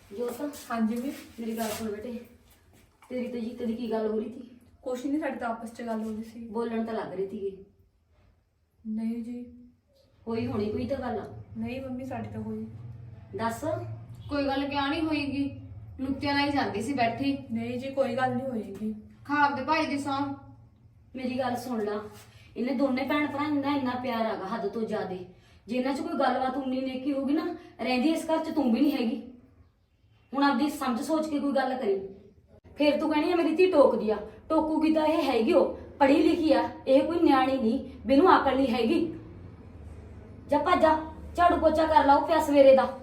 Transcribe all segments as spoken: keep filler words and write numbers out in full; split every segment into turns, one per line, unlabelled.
जोत
हाँ जी भी
मेरी गल सुन बेटे, तेरी ते जीते दी की गल हो रही थी?
कुछ नहीं, साड़ी तो आपस च गल हो रही सी।
बोलन तो लग रही थी।
नहीं जी,
होई होनी कोई तो गल?
नहीं मम्मी साड़ी तो हुई
दस।
कोई गल क्या नहीं होएगी, लुत्तियां लाई जांदी सी बैठी।
नहीं जी, कोई गल नहीं होएगी।
खाब दे भाई दी सौं।
मेरी गल सुन ला, इन्हें दोने भैन भरा इन्ना इन्ना प्यार हैगा हद तो ज्यादा। जे इन्हां च कोई गलबात उन्नी नेकी होगी ना, रहिंदी इस घर च तू भी नहीं हैगी। हुण आपदी समझ सोच के कोई गल करी। फिर तू कहनी है मेरी धी टोकदी आ, टोकूगी तो यह हैगी ओ पढ़ी लिखी आ, यह कोई न्याणी नहीं, बिनू अकल नहीं हैगी। जा भज जा, झाड़ू पोचा कर ला पिया सवेरे दा।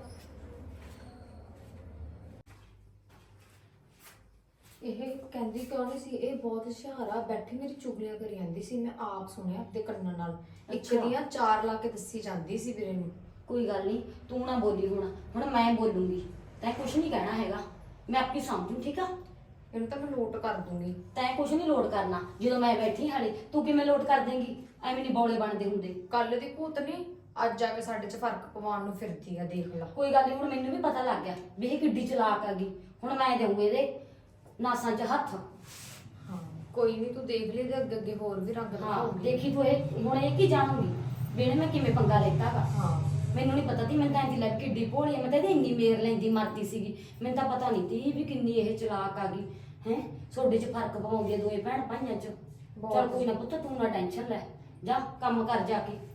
ਇਹ ਕਹਿੰਦੀ ਕਿਉਂ ਨਹੀਂ ਸੀ, ਇਹ ਬਹੁਤ ਹੁਸ਼ਿਆਰ ਆ, ਬੈਠੀ ਮੇਰੀ ਚੁਗਲੀਆਂ ਕਰੀ ਜਾਂਦੀ ਸੀ, ਮੈਂ ਆਪ ਸੁਣਿਆ ਆਪਣੇ ਕੰਨਾਂ ਨਾਲ। ਇੱਕ
ਅੱਛਾ।
ਦੀਆਂ ਚਾਰ ਲਾ ਕੇ ਦੱਸੀ ਜਾਂਦੀ ਸੀ ਵੀਰੇ ਨੂੰ।
कोई गल नहीं, तू ना बोली हुण हुण मैं बोलूंगी, तैं कुछ नहीं कहना हैगा, मैं आपकी समझू ठीक आ।
ਇਹਨੂੰ ਤਾਂ ਮੈਂ ਨੋਟ ਕਰ ਦੂੰਗੀ।
तैं कुछ नहीं लोड करना, जो मैं बैठी हाले तू किवें लोड कर देंगी? ਐਵੇਂ नहीं बौले बनते हुंदे।
ਕੱਲ ਦੀ ਭੂਤ ਨਹੀਂ ਅੱਜ ਜਾ ਕੇ ਸਾਡੇ 'ਚ ਫਰਕ ਪਵਾਉਣ ਨੂੰ ਫਿਰਦੀ ਆ, ਦੇਖ ਲਾ।
कोई गल नहीं, हुण मैनूं भी पता लग गया भी ਇਹ ਕਿੱਡੀ ਚਲਾਕ ਆ ਗਈ। ਹੁਣ ਮੈਂ ਦੇਊਂਗੀ ਇਹਦੇ ਨਾਸਾਂ 'ਚ ਹੱਥ।
ਹਾਂ ਕੋਈ ਨਹੀਂ, ਤੂੰ ਦੇਖ ਲਈ, ਤੇ ਅੱਗੇ ਅੱਗੇ ਹੋਰ ਵੀ ਰੰਗ
ਹਾਂ
ਦਿਖਾਉਂਗੀ।
ਦੇਖੀ ਤੂੰ ਇਹ ਹੁਣ ਇਹ ਕੀ ਜਾਣੂਗੀ ਵੀ ਇਹਨੇ ਮੈਂ ਕਿਵੇਂ ਪੰਗਾ ਲੈਤਾ ਗਾ।
ਹਾਂ
ਮੈਨੂੰ ਨਹੀਂ ਪਤਾ ਸੀ, ਮੈਂ ਤਾਂ ਇਹਦੀ ਲੱਗ ਕਿੱਡੀ ਭੋਲੀ ਆ, ਮੈਂ ਤਾਂ ਇਹਦੀ ਇੰਨੀ ਮੇਰ ਲੈਂਦੀ ਮਰਦੀ ਸੀਗੀ। ਮੈਨੂੰ ਤਾਂ ਪਤਾ ਨਹੀਂ ਸੀ ਵੀ ਕਿੰਨੀ ਇਹ ਚਲਾਕ ਆ ਗਈ ਹੈ। ਤੁਹਾਡੇ 'ਚ ਫਰਕ ਪਵਾਉਂਦੀ ਆ ਦੋਏ ਭੈਣ ਭਾਈਆਂ 'ਚ। ਚੱਲ ਕੋਈ ਨਾ ਪੁੱਤ, ਤੂੰ ਨਾ ਟੈਨਸ਼ਨ ਲੈ, ਜਾ ਕੰਮ ਕਰ ਜਾ ਕੇ।